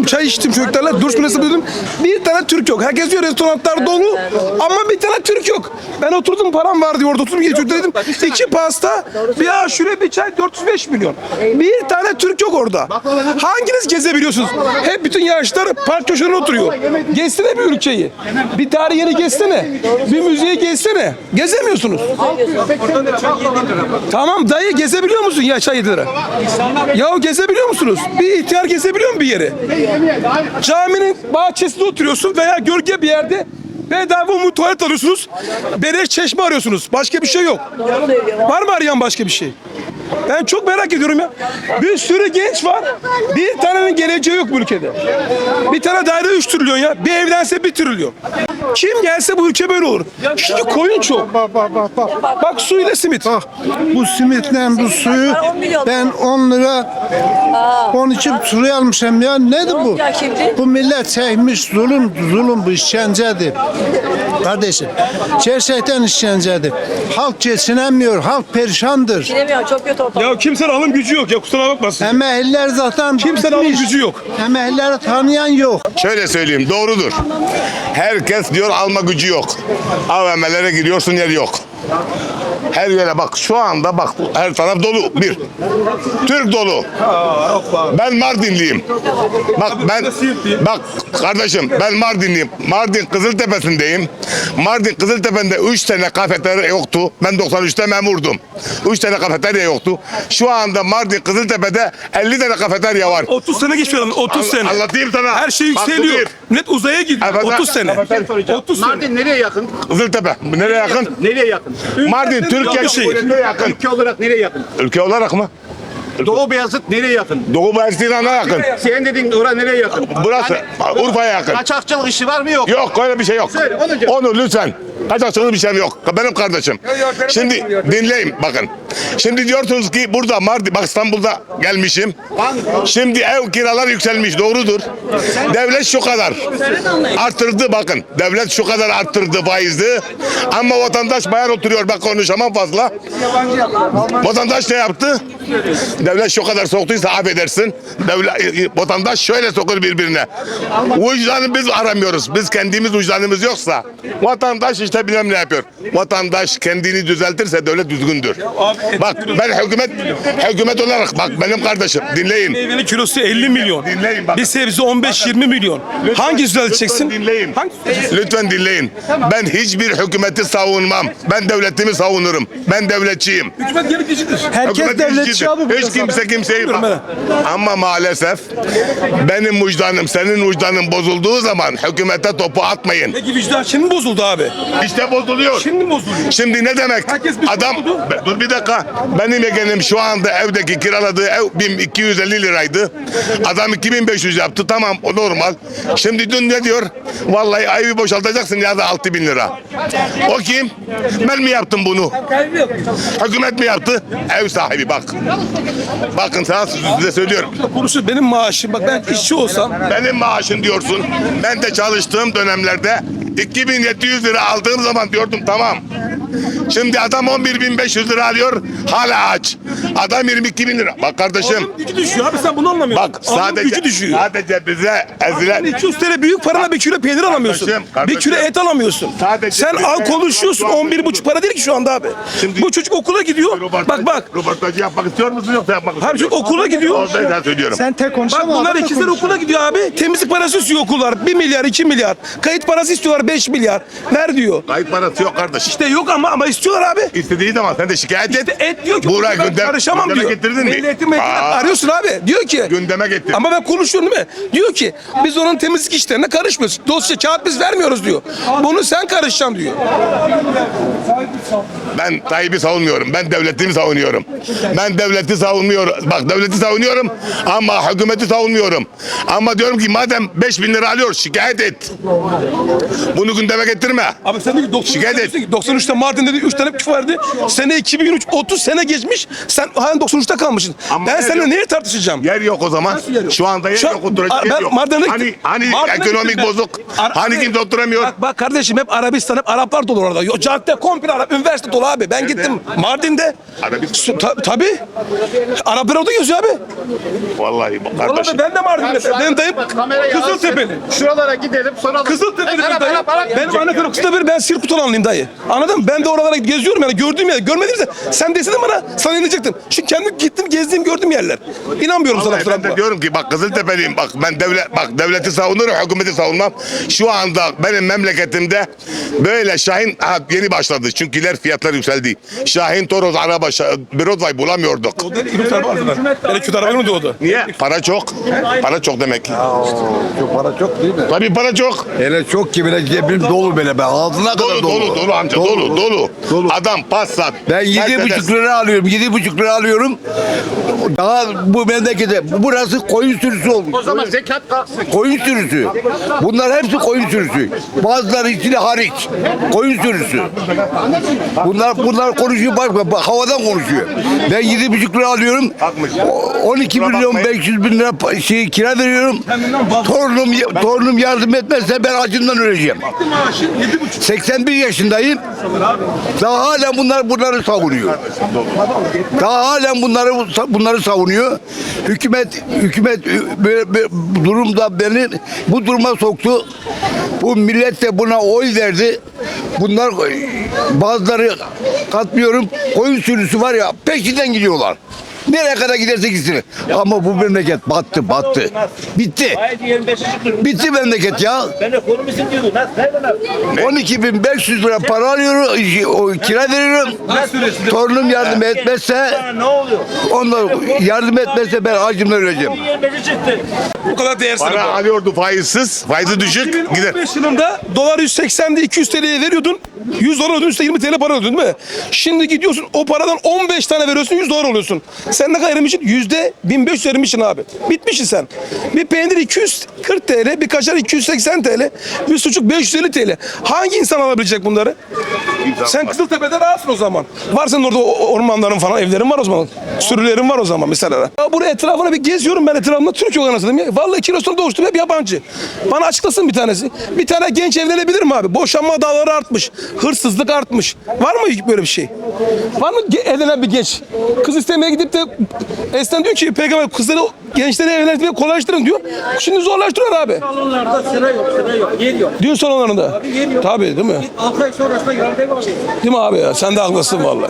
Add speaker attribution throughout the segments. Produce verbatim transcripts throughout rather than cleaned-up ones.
Speaker 1: çay içtim çocuklarla. Duruş münesip dedim. Bir tane Türk yok. Herkes diyor restoranlar dolu ama bir tane Türk yok. Ben oturdum, param var diyor orada oturdum. Çocuklar dedim. İki pasta, bir aşure, bir çay, dört yüz beş milyon. Bir tane Türk yok orada. Hanginiz gezebiliyorsunuz? Hep bütün yaşlar park köşelerine oturuyor. Gezsene bir ülkeyi. Bir tarih yeri gezsene. Bir müziği gezsene. Gezemiyorsunuz. Tamam dayı, gezebiliyor musun ya çay yedi lira? Ya gezebiliyor musunuz? Bir ihtiyar gezebiliyor mu bir yeri? Caminin bahçesinde oturuyorsun veya gölge bir yerde bedava mu tuvalet alıyorsunuz. Beleş çeşme arıyorsunuz. Başka bir şey yok. Var mı arayan başka bir şey? Ben çok merak ediyorum ya. Bir sürü genç var. Bir tanenin geleceği yok bu ülkede. Bir tane daire üç trilyon ya. Bir evlense bir trilyon. Kim gelse bu ülke böyle olur. Çünkü koyun çok.
Speaker 2: Bak bak bak bak.
Speaker 1: Bak su ile simit.
Speaker 2: Bak bu simitle bu suyu ben on lira on iki liraya almışım ya. Nedir bu? Bu millet çekmiş zulüm, zulüm bu işkencedir. Kardeşim, gerçekten işkencedir. Halk geçinemiyor, halk perişandır.
Speaker 3: Bilemiyorum, çok kötü ortam.
Speaker 1: Ya kimsenin alım gücü yok ya, kusura bakmasın.
Speaker 2: Emekliler zaten
Speaker 1: Kimsenin alım gücü yok.
Speaker 2: Emeklileri tanıyan yok.
Speaker 4: Şöyle söyleyeyim, doğrudur. Herkes diyor alma gücü yok. A V M'lere giriyorsun, yer yok. Her yere bak, şu anda bak her taraf dolu. Bir, Türk dolu. Ben Mardinliyim. Bak ben, bak kardeşim ben Mardinliyim. Mardin Kızıltepe'sindeyim. Mardin Kızıltepe'nde üç tane kafeterya yoktu. Ben doksan üçte memurdum. Üç tane kafeterya yoktu. Şu anda Mardin Kızıltepe'de elli tane kafeterya var.
Speaker 1: otuz sene geçiyor, otuz sene.
Speaker 4: Anlatayım sana.
Speaker 1: Her şey
Speaker 4: Bak,
Speaker 1: yükseliyor.
Speaker 4: bu bir.
Speaker 1: Net uzaya gidiyor.
Speaker 4: Efendim?
Speaker 1: otuz sene. otuz sene.
Speaker 5: Mardin nereye yakın?
Speaker 4: Kızıltepe. Nereye yakın?
Speaker 5: Nereye yakın?
Speaker 4: Mardin Türkiye
Speaker 1: bir şey.
Speaker 4: Cumhuriyeti'ne yakın.
Speaker 5: Ülke olarak nereye yakın?
Speaker 4: Ülke olarak mı?
Speaker 5: Doğu Beyazıt nereye yakın?
Speaker 4: Doğu Mersin'e yakın.
Speaker 5: Senin dediğin oraya nereye yakın?
Speaker 4: Burası Urfa'ya yakın.
Speaker 5: Kaçakçılık işi var mı yok?
Speaker 4: Yok öyle bir şey yok.
Speaker 5: Söyle, onu diyor.
Speaker 4: Onu lütfen. Kaçakçılık bir şey yok. Benim kardeşim. Şimdi dinleyin bakın. Şimdi diyorsunuz ki burada Mardin, bak İstanbul'da gelmişim. Şimdi ev kiralar yükselmiş, doğrudur. Devlet şu kadar arttırdı bakın. Devlet şu kadar arttırdı faizi. Ama vatandaş bayan oturuyor, bak konuşamam fazla. Vatandaş ne yaptı? Devlet şu kadar soktuysa affedersin. Devlet, vatandaş şöyle sokur birbirine. Vicdanı biz aramıyoruz. Biz kendimiz vicdanımız yoksa vatandaş işte bilmem ne yapıyor. Vatandaş kendini düzeltirse devlet düzgündür. Bak ben hükümet hükümet olarak bak benim kardeşim dinleyin.
Speaker 1: Meyvenin kilosu elli milyon.
Speaker 4: Dinleyin bakın.
Speaker 1: Bir sebze on beş yirmi milyon. Hangi düzelteceksin?
Speaker 4: Lütfen dinleyin.
Speaker 1: Hangi
Speaker 4: Lütfen dinleyin. Ben hiçbir hükümeti savunmam. Ben devletimi savunurum. Ben devletçiyim.
Speaker 1: Hükümet gerekicidir.
Speaker 2: Herkes
Speaker 4: Hükümet
Speaker 2: devletçi
Speaker 4: işçidir.
Speaker 2: abi. burada
Speaker 4: Hiç kimse
Speaker 2: zaten.
Speaker 4: kimseyi
Speaker 1: Bilmiyorum
Speaker 4: bak. Ama maalesef benim vicdanım senin vicdanın bozulduğu zaman hükümete topu atmayın.
Speaker 1: Peki vicdan şimdi mi bozuldu abi?
Speaker 4: İşte bozuluyor.
Speaker 1: Şimdi mi bozuluyor?
Speaker 4: Şimdi ne demek?
Speaker 1: Herkes bir
Speaker 4: Adam
Speaker 1: sorumlu.
Speaker 4: Be- dur bir dakika. Benim yeğenim şu anda evdeki kiraladığı ev bin iki yüz elli liraydı. Adam iki bin beş yüz yaptı. Tamam o normal. Şimdi dün ne diyor? Vallahi evi boşaltacaksın ya da altı bin lira. O kim? Ben mi yaptım bunu? Hükümet mi yaptı? Ev sahibi bak. Bakın sana size söylüyorum.
Speaker 1: Konuşuyor benim maaşım. Bak ben işçi olsam
Speaker 4: Benim maaşım diyorsun. Ben de çalıştığım dönemlerde iki bin yedi yüz lira aldığım zaman diyordum tamam. Şimdi adam on bir bin beş yüz lira alıyor, hala aç. Adam yirmi iki bin lira. Bak kardeşim.
Speaker 1: alım gücü düşüyor abi, sen bunu anlamıyorsun.
Speaker 4: Bak
Speaker 1: Alım
Speaker 4: sadece
Speaker 1: gücü düşüyor.
Speaker 4: sadece bize ezilen
Speaker 1: iki yüz TL büyük parana bir kilo peynir alamıyorsun.
Speaker 4: Kardeşim,
Speaker 1: Bir
Speaker 4: kardeşim.
Speaker 1: kilo et alamıyorsun.
Speaker 4: Sadece
Speaker 1: Sen
Speaker 4: bize-
Speaker 1: al konuşuyorsun, on bir buçuk para değil ki şu anda abi.
Speaker 4: Şimdi-
Speaker 1: Bu çocuk okula gidiyor.
Speaker 4: Röportaj-
Speaker 1: Bak bak.
Speaker 4: Röportajı yapmak istiyor musun yoksa yapmak istiyor
Speaker 1: Abi çocuk
Speaker 4: musun?
Speaker 1: okula gidiyor.
Speaker 4: Orada ben söylüyorum.
Speaker 2: Sen tek
Speaker 1: Bak
Speaker 2: konuşama.
Speaker 1: bunlar
Speaker 2: adam da
Speaker 1: ikizler
Speaker 2: konuşuyor.
Speaker 1: okula gidiyor abi. Temizlik parası istiyor okullar. bir milyar, iki milyar. Kayıt parası istiyorlar beş milyar. Ver diyor.
Speaker 4: Kayıt parası yok kardeş.
Speaker 1: İşte yok ama ama istiyorlar abi.
Speaker 4: İstediği zaman sen de şikayet et.
Speaker 1: İşte et diyor ki
Speaker 4: Buraya
Speaker 1: ben
Speaker 4: gündem,
Speaker 1: karışamam
Speaker 4: gündeme
Speaker 1: diyor.
Speaker 4: getirdin mi?
Speaker 1: Milli Eğitim Meclisi'ne
Speaker 4: Aa,
Speaker 1: arıyorsun abi. Diyor ki
Speaker 4: Gündeme getir.
Speaker 1: ama ben konuşuyorum değil mi? Diyor ki biz onun temizlik işlerine karışmıyoruz. Dosya kağıt biz vermiyoruz diyor. Bunu sen karışacaksın diyor.
Speaker 4: Ben Tayyip'i savunmuyorum. Ben devletimi savunuyorum. Ben devleti savunmuyorum. Bak devleti savunuyorum ama hükümeti savunmuyorum. Ama diyorum ki madem beş bin lira alıyor şikayet et. Bunu gündeme getirme.
Speaker 1: Abi sen de ki doksan üç
Speaker 4: Şikayet et.
Speaker 1: diyorsun ki doksan üçte Mardin'de de üç tane küf vardı. Sene iki bin üç, otuz sene geçmiş. Sen halen doksan üçte kalmışsın.
Speaker 4: Ama
Speaker 1: ben
Speaker 4: yer
Speaker 1: seninle
Speaker 4: yok.
Speaker 1: neye tartışacağım?
Speaker 4: Yer yok o zaman.
Speaker 1: Nasıl yer yok?
Speaker 4: Şu anda yer
Speaker 1: Şu an-
Speaker 4: yok. Oturacak
Speaker 1: ben
Speaker 4: yer yok.
Speaker 1: Mardin'e
Speaker 4: Hani,
Speaker 1: gittim.
Speaker 4: hani
Speaker 1: Mardin'e
Speaker 4: ekonomik
Speaker 1: gittim ben.
Speaker 4: bozuk.
Speaker 1: Ar-
Speaker 4: hani
Speaker 1: abi,
Speaker 4: kimse oturamıyor.
Speaker 1: Bak, bak kardeşim hep Arabistan, hep Araplar dolu orada. Yo, cadde komple Arap, üniversite dolu abi. Ben gittim Mardin'de.
Speaker 4: Arabistan.
Speaker 1: Su- Ta, tabii. Araplar orada geziyor abi.
Speaker 4: Vallahi bak kardeşim.
Speaker 1: Vallahi ben de Mardin'de. Benim dayım Kızıltepe'li.
Speaker 5: Şuralara gidelim sonra
Speaker 1: Kızıltepe'li
Speaker 5: Arap,
Speaker 1: benim dayım.
Speaker 5: Arap, Arap
Speaker 1: Benim
Speaker 5: diyecek
Speaker 1: anne
Speaker 5: ya.
Speaker 1: tarafı Kızıltepe'li, ben Sirkutolanlıyım dayı. Anladın mı? Ben de oralara geziyorum yani gördüğüm yer. Görmediyse sen deseydin bana sana inecektim. Çünkü kendim gittim gezdiğim gördüğüm yerler. İnanmıyorum sana
Speaker 4: Vallahi
Speaker 1: kusura
Speaker 4: ben de
Speaker 1: bakma.
Speaker 4: diyorum ki bak Kızıltepe'liyim, bak ben devlet bak devleti savunurum, hükümeti savunmam. Şu anda benim memleketimde böyle Şahin ha, yeni başladı çünkü fiyatlar yükseldi. Şahin, Toros, araba, Şa- Broadway bulamıyorduk.
Speaker 1: Kötü araba vardı lan. Hele kötü araba mı doğdu?
Speaker 4: Niye? Para çok. Para çok demek.
Speaker 3: Çok para çok değil mi?
Speaker 4: Tabii para çok.
Speaker 3: Hele çok ki bile cebim dolu böyle be. Ağzına kadar
Speaker 4: Dolu
Speaker 3: dolu.
Speaker 4: dolu dolu amca dolu dolu.
Speaker 3: Dolu.
Speaker 4: Adam Passat.
Speaker 3: Ben yedi
Speaker 4: Mercedes.
Speaker 3: buçuk lira alıyorum. Yedi buçuk lira alıyorum. Daha bu memlekete. Burası koyun sürüsü olmuş.
Speaker 5: O zaman zekat kalksın.
Speaker 3: Koyun sürüsü. Bunlar hepsi koyun sürüsü. Bazıları içine hariç. Koyun sürüsü. Bunlar bunlar konuşuyor bak, bak havadan konuşuyor. Ben yedi buçuk lira alıyorum. O- on iki
Speaker 4: Kusura
Speaker 3: milyon
Speaker 4: bakmayın.
Speaker 3: beş yüz bin lira pa- şey kira veriyorum. Torunum torunum yardım etmezse ben acından öleceğim. seksen bir yaşındayım. Daha hala bunlar bunları savunuyor. Daha hala bunları bunları savunuyor. Hükümet hükümet böyle, böyle durumda beni bu duruma soktu. Bu millet de buna oy verdi. Bunlar bazıları katmıyorum. Koyun sürüsü var ya peşinden gidiyorlar. Nereye kadar giderse gitsin. Ama bu memleket battı, battı. Bitti. Bitti memleket ya.
Speaker 6: Ben ekonomisin diyordum. Nasıl? Nereden abi?
Speaker 3: on iki bin beş yüz lira para alıyorum, o kira veriyorum. Torunum yardım etmezse,
Speaker 6: Ne oluyor?
Speaker 3: onlar yardım etmezse ben acımdan öleceğim.
Speaker 6: yirmi beşi çıktı.
Speaker 1: Bu kadar değersiz.
Speaker 4: Para alıyordu faizsiz. Faizi düşük gider.
Speaker 1: iki bin on beş yılında dolar yüz seksendi, iki yüz T L'ye veriyordun. yüz dolar ödüyorsun, yirmi T L para ödüyordun değil mi? Şimdi gidiyorsun o paradan on beş tane veriyorsun, yüz dolar oluyorsun. Sen ne kadar erimişsin? yüzde bin beş yüz erimişsin abi. Bitmişsin sen. Bir peynir iki yüz kırk T L, bir kaşar iki yüz seksen T L, bir sucuk beş yüz elli T L. Hangi insan alabilecek bunları? Sen Kızıltepe'de rahatsın o zaman. Var senin orada o- ormanların falan, evlerin var o zaman. Sürülerin var o zaman mesela. Ya buraya etrafına bir geziyorum ben etrafımda Türk yok anasını ya. Vallahi kilosunu doğuştum hep yabancı. Bana açıklasın bir tanesi. Bir tane genç evlenebilir mi abi? Boşanma dağları artmış. Hırsızlık artmış. Var mı böyle bir şey? Var mı ge- evlenen bir genç? Kız istemeye gidip de Esen diyor ki peygamber kızları gençleri evlendirmeyi kolaylaştırın diyor. Şimdi zorlaştırıyor abi.
Speaker 6: Salonlarda sıra yok, sıra yok. Yer yok.
Speaker 1: Düğün salonlarında.
Speaker 6: yer yok.
Speaker 1: Tabii değil mi?
Speaker 6: altı ay sonrasında yardım var.
Speaker 1: Değil mi abi ya? Sen de haklısın vallahi.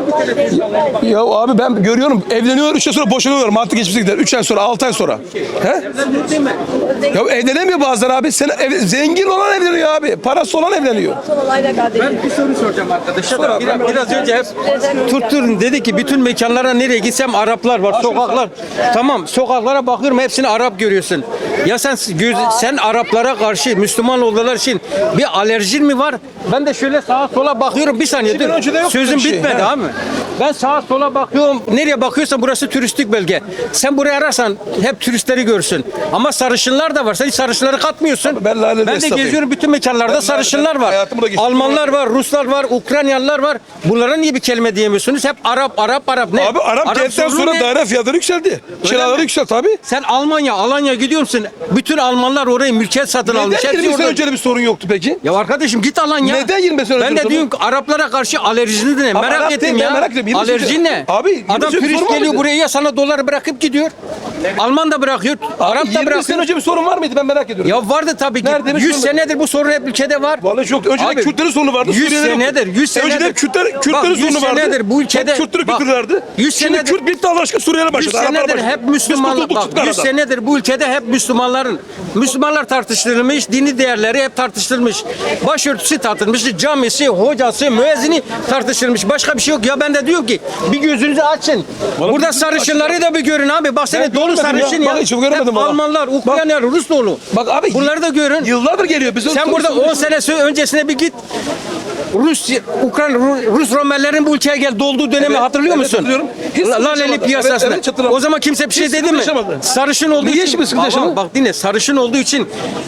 Speaker 1: Ya abi ben görüyorum evleniyor üç ay sonra boşanıyorlar. Mantı geçmişe gider. üç ay sonra altı ay sonra. He?
Speaker 6: Değil mi?
Speaker 1: Ya evlenemiyor bazıları abi. Sen ev- zengin olan evleniyor abi. Parası olan evleniyor.
Speaker 7: Ben bir soru soracağım arkadaşa da. Biraz, biraz önce hep tutturun dedi ki bütün mekanlara nereye gitsem Araplar var, sokaklar. Tamam, sokaklara bakıyorum hepsini Arap görüyorsun. Ya sen göz, sen Araplara karşı Müslüman oldular için bir alerjin mi var? Ben de şöyle sağa sola bakıyorum bir saniye
Speaker 1: İki bin
Speaker 7: dur.
Speaker 1: öncede yoktu
Speaker 7: Sözüm
Speaker 1: bir şey,
Speaker 7: bitmedi
Speaker 1: he.
Speaker 7: abi. Ben sağa sola bakıyorum. Nereye bakıyorsan burası turistik bölge. Sen buraya ararsan hep turistleri görsün. Ama sarışınlar da var. Sen hiç sarışınları katmıyorsun.
Speaker 1: Abi ben Lale'de
Speaker 7: ben de
Speaker 1: esnafıyım.
Speaker 7: geziyorum bütün mekanlarda
Speaker 1: Ben
Speaker 7: sarışınlar
Speaker 1: Lale'de
Speaker 7: var.
Speaker 1: hayatımda geçtim.
Speaker 7: Almanlar var, Ruslar var, Ukraynalılar var. Bunlara niye bir kelime diyemiyorsunuz? Hep Arap, Arap, Arap. Ne?
Speaker 1: Abi Arap geldikten
Speaker 7: sorunu
Speaker 1: sonra
Speaker 7: ne?
Speaker 1: daire fiyatları yükseldi. Kiraları
Speaker 7: mi?
Speaker 1: yükseldi abi.
Speaker 7: Sen Almanya, Alanya gidiyor musun? Bütün Almanlar orayı mülkiyet satın almış.
Speaker 1: Neden
Speaker 7: Hepsi
Speaker 1: yirmi sene
Speaker 7: orada.
Speaker 1: önce bir sorun yoktu peki?
Speaker 7: Ya arkadaşım git Alanya.
Speaker 1: Neden yirmi sene önce
Speaker 7: Ben
Speaker 1: bir
Speaker 7: de
Speaker 1: sorun
Speaker 7: diyorum ki Araplara karşı alerjini ne?
Speaker 1: Ama
Speaker 7: Merak
Speaker 1: Arap
Speaker 7: ettim
Speaker 1: değil, ben
Speaker 7: ya.
Speaker 1: merak ediyorum. yirmi sene
Speaker 7: Alerjin
Speaker 1: önce-
Speaker 7: ne?
Speaker 1: Abi, yirmi
Speaker 7: Adam
Speaker 1: sene önce
Speaker 7: turist
Speaker 1: sorun var
Speaker 7: geliyor
Speaker 1: mıydı?
Speaker 7: buraya ya sana doları bırakıp gidiyor. Alman da bırakıyor. Arap da
Speaker 1: yirmi sene
Speaker 7: bırakıyor.
Speaker 1: önce bir sorun var mıydı ben merak ediyorum.
Speaker 7: Ya vardı tabii ki.
Speaker 1: Neredeymiş
Speaker 7: yüz
Speaker 1: sorun?
Speaker 7: senedir bu sorun hep ülkede var.
Speaker 1: Vallahi çok. Önceden
Speaker 7: Abi,
Speaker 1: Kürtlerin sorunu vardı.
Speaker 7: yüz
Speaker 1: Suriyelilerin
Speaker 7: senedir,
Speaker 1: yoktu.
Speaker 7: yüz senedir.
Speaker 1: Önceden Kürtler,
Speaker 7: Bak,
Speaker 1: Kürtlerin
Speaker 7: yüz
Speaker 1: sorunu vardı.
Speaker 7: senedir bu ülkede-
Speaker 1: Hep Kürtleri
Speaker 7: bak,
Speaker 1: götürürlerdi.
Speaker 7: yüz
Speaker 1: Şimdi
Speaker 7: senedir-
Speaker 1: Kürt bitti Allah aşkına Suriyeli
Speaker 7: yüz
Speaker 1: başladı. Araplar
Speaker 7: senedir
Speaker 1: başladı.
Speaker 7: hep
Speaker 1: Biz
Speaker 7: Müslümanlar,
Speaker 1: kurtulduk,
Speaker 7: bak
Speaker 1: çıktık
Speaker 7: yüz
Speaker 1: aradan.
Speaker 7: senedir bu ülkede hep Müslümanların, Müslümanlar tartıştırılmış, dini değerleri hep tartıştırılmış. Başörtüsü tartışılmış, camisi, hocası, müezzini tartışılmış. Başka bir şey yok. Ya ben de diyorum ki bir gözünüzü açın.
Speaker 1: Vallahi
Speaker 7: Burada
Speaker 1: gözümü
Speaker 7: sarışınları da bir görün abi. Bak seni
Speaker 1: Ben
Speaker 7: dolu
Speaker 1: görmedim ya.
Speaker 7: sarışın ya.
Speaker 1: Bak hiç göremedim
Speaker 7: Hep
Speaker 1: valla.
Speaker 7: Almanlar, Ukraynalılar, Rus dolu.
Speaker 1: Bak abi
Speaker 7: Bunları da görün.
Speaker 1: yıllardır geliyor. Biz
Speaker 7: Sen burada on sene öncesine bir git. Rus, Ukrayna, Ru- Rus Romerlerin bu ülkeye gel dolduğu dönemi
Speaker 1: Evet,
Speaker 7: hatırlıyor
Speaker 1: evet,
Speaker 7: musun?
Speaker 1: hatırlıyorum. Hiç sıkıntı
Speaker 7: Laleli
Speaker 1: yaşamadı.
Speaker 7: piyasasında.
Speaker 1: Evet, evet, hatırlıyorum.
Speaker 7: O zaman kimse bir şey
Speaker 1: Hiç
Speaker 7: dedi
Speaker 1: sıkıntı
Speaker 7: mi?
Speaker 1: yaşamadı.
Speaker 7: Sarışın olduğu
Speaker 1: Niye
Speaker 7: için.
Speaker 1: şimdi sıkıntı
Speaker 7: Bak,
Speaker 1: yaşamadı?
Speaker 7: bak dinle sarışın olduğu için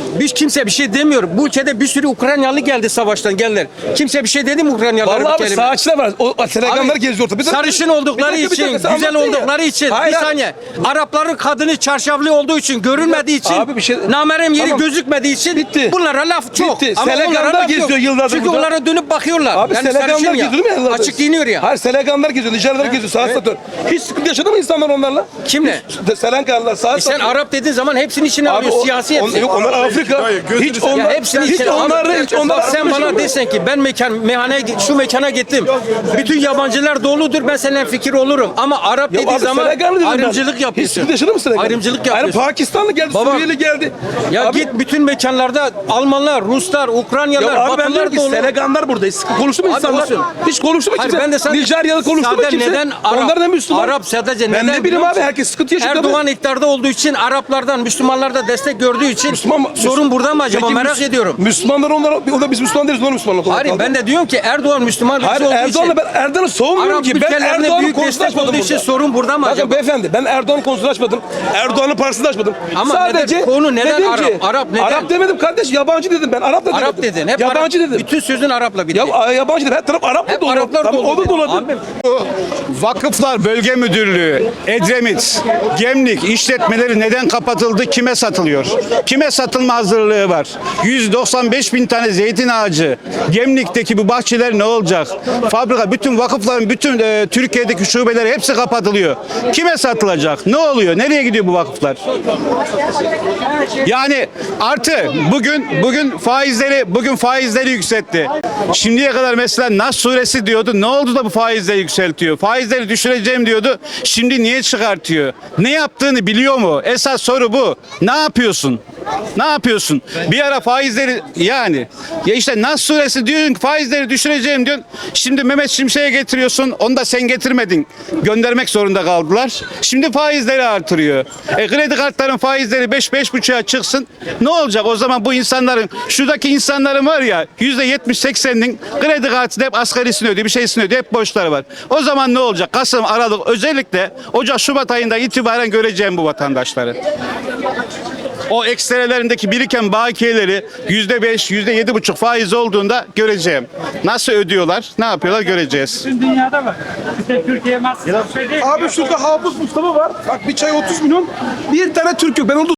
Speaker 7: Biz kimse bir şey demiyor. Bu ülkede bir sürü Ukraynalı geldi savaştan geldiler. Kimse bir şey dedi mi Ukraynalılara?
Speaker 1: Vallahi
Speaker 7: bir
Speaker 1: abi
Speaker 7: kelime?
Speaker 1: sağaçlar var. O Seleganlar
Speaker 7: Abi,
Speaker 1: geziyor ortada. Bir dakika,
Speaker 7: sarışın
Speaker 1: bir
Speaker 7: oldukları
Speaker 1: dakika, bir
Speaker 7: için,
Speaker 1: dakika, sen
Speaker 7: güzel
Speaker 1: anlattın ya.
Speaker 7: oldukları için,
Speaker 1: Hayır,
Speaker 7: bir
Speaker 1: hayır.
Speaker 7: saniye. Arapların kadını çarşaflı olduğu için, görünmediği için,
Speaker 1: Abi bir şey-
Speaker 7: namerem yeri
Speaker 1: Tamam.
Speaker 7: gözükmediği için
Speaker 1: Bitti.
Speaker 7: bunlara laf çok.
Speaker 1: Bitti.
Speaker 7: Ama
Speaker 1: Seleganlar
Speaker 7: onlara laf
Speaker 1: geziyor
Speaker 7: yok.
Speaker 1: yıllardır
Speaker 7: Çünkü
Speaker 1: burada.
Speaker 7: onlara dönüp bakıyorlar.
Speaker 1: Abi
Speaker 7: yani
Speaker 1: Seleganlar
Speaker 7: sarışın ya.
Speaker 1: geziyor değil mi yıllardır?
Speaker 7: Açık giyiniyor ya.
Speaker 1: Hayır Seleganlar geziyor, Nijerler geziyor, saat satıyor. Hiç sıkıntı yaşadı mı insanlar onlarla?
Speaker 7: Kimle?
Speaker 1: Seleganlar saat
Speaker 7: E sen
Speaker 1: satıyor.
Speaker 7: Arap dediğin zaman hepsini içine
Speaker 1: Abi
Speaker 7: alıyor.
Speaker 1: o-
Speaker 7: Siyasi
Speaker 1: on-
Speaker 7: hepsi.
Speaker 1: Yok onlar Afrika. Hiç onlar,
Speaker 7: Ya hepsini
Speaker 1: hiç
Speaker 7: içine
Speaker 1: onlar,
Speaker 7: al.
Speaker 1: hiç onlar.
Speaker 7: Bak sen bana desen ki ben mekan, meyhaneye, şu mekana gittim. Bütün yabancılar doludur. Ben seninle fikir olurum. Ama Arap
Speaker 1: Ya
Speaker 7: dediği
Speaker 1: abi
Speaker 7: zaman
Speaker 1: Seleganlı dedim ben.
Speaker 7: ayrımcılık
Speaker 1: Hiç
Speaker 7: yapıyorsun.
Speaker 1: sıkıntı yaşadın mı Seleganlı?
Speaker 7: Ayrımcılık
Speaker 1: Yani
Speaker 7: yapıyorsun.
Speaker 1: Pakistanlı geldi,
Speaker 7: Baba,
Speaker 1: Suriyeli geldi.
Speaker 7: Ya
Speaker 1: Abi-
Speaker 7: git bütün mekanlarda Almanlar, Ruslar, Ukraynalılar,
Speaker 1: Ya abi ben diyorum
Speaker 7: Batılılar
Speaker 1: ki
Speaker 7: dolu.
Speaker 1: Seleganlar buradayız. Konuştu mu
Speaker 7: Abi
Speaker 1: insanlar?
Speaker 7: olsun.
Speaker 1: Hiç konuştu mu
Speaker 7: Hayır,
Speaker 1: kimse?
Speaker 7: ben de sana
Speaker 1: Nijeryalı konuştu mu
Speaker 7: sadece
Speaker 1: kimse?
Speaker 7: neden Arap?
Speaker 1: Onlar da Müslüman.
Speaker 7: Arap sadece
Speaker 1: ben
Speaker 7: neden?
Speaker 1: ne bileyim
Speaker 7: biliyor
Speaker 1: abi
Speaker 7: musun?
Speaker 1: herkes sıkıntı yaşıyor.
Speaker 7: Erdoğan iktidarda olduğu için Araplardan, Müslümanlardan destek gördüğü için
Speaker 1: Müslüman mı?
Speaker 7: sorun burada mı acaba
Speaker 1: Peki
Speaker 7: merak
Speaker 1: Müs-
Speaker 7: ediyorum.
Speaker 1: Müslümanlar onlar, o da biz Müslüman değiliz, onlar Müslümanlar.
Speaker 7: Hayır ben de diyorum ki Erdoğan Müslüman
Speaker 1: Hayır
Speaker 7: birisi olduğu
Speaker 1: Erdoğan'la
Speaker 7: için.
Speaker 1: ben Erdoğan'ı savunmuyorum
Speaker 7: Arap
Speaker 1: ki. Ben
Speaker 7: ülkelerine
Speaker 1: Erdoğan'ın
Speaker 7: büyük
Speaker 1: konusunu
Speaker 7: destek
Speaker 1: açmadım
Speaker 7: olduğu için
Speaker 1: burada.
Speaker 7: sorun burada mı
Speaker 1: Bakın
Speaker 7: acaba?
Speaker 1: beyefendi ben Erdoğan'ın konusunu açmadım. Erdoğan'ın partisini açmadım.
Speaker 7: Ama
Speaker 1: Sadece
Speaker 7: neden- konu neden
Speaker 1: dedim
Speaker 7: Arap?
Speaker 1: ki-
Speaker 7: Arap neden?
Speaker 1: Arap demedim kardeş, yabancı dedim ben. Arap da demedim.
Speaker 7: Arap dedin. Hep
Speaker 1: yabancı
Speaker 7: Arap.
Speaker 1: dedim.
Speaker 7: Bütün sözün Arap'la bitti.
Speaker 1: Ya a- yabancı dedim. Her taraf Arap
Speaker 7: Hep
Speaker 1: mı dolu?
Speaker 7: Araplar
Speaker 1: Tamam,
Speaker 7: dolu
Speaker 1: o da
Speaker 7: dedi.
Speaker 1: doladı.
Speaker 7: Abim,
Speaker 8: Vakıflar Bölge Müdürlüğü, Edremit, Gemlik işletmeleri neden kapatıldı, kime satılıyor? Kime satılma hazırlığı var? yüz doksan beş bin tane zeytin ağacı, Gemlik'teki bu bahçeler ne olacak? Fabrika, bütün vakıfların, bütün e, Türkiye'deki şubeleri hepsi kapatılıyor. Kime satılacak? Ne oluyor? Nereye gidiyor bu vakıflar? Yani artı bugün bugün faizleri bugün faizleri yükseltti. Şimdiye kadar mesela Nas suresi diyordu. Ne oldu da bu faizleri yükseltiyor? Faizleri düşüreceğim diyordu. Şimdi niye çıkartıyor? Ne yaptığını biliyor mu? Esas soru bu. Ne yapıyorsun? Ne yapıyorsun? Bir ara faizleri yani ya işte Nas suresi diyorsun ki faizleri düşüreceğim diyorsun. Şimdi Mehmet Şimşek'e getiriyorsun. Onu da sen getirmedin. Göndermek zorunda kaldılar. Şimdi faizleri artırıyor. E, kredi kartların faizleri beş beş buçuğa çıksın. Ne olacak o zaman bu insanların şuradaki insanların var ya yüzde yetmiş sekseninin kredi kartını hep asgarisini ödüyor, bir şeysini ödüyor, hep borçları var. O zaman ne olacak? Kasım, Aralık özellikle Ocak, Şubat ayında itibaren göreceğim bu vatandaşları. O ekstrelerindeki biriken bakiyeleri yüzde beş, yüzde yedi buçuk faiz olduğunda göreceğim. Nasıl ödüyorlar, ne yapıyorlar göreceğiz.
Speaker 6: Dünyada var. İşte Türkiye masası.
Speaker 1: Abi şurada Hafız Mustafa var. Bak bir çay otuz milyon. Bir tane Türk yok. Ben onu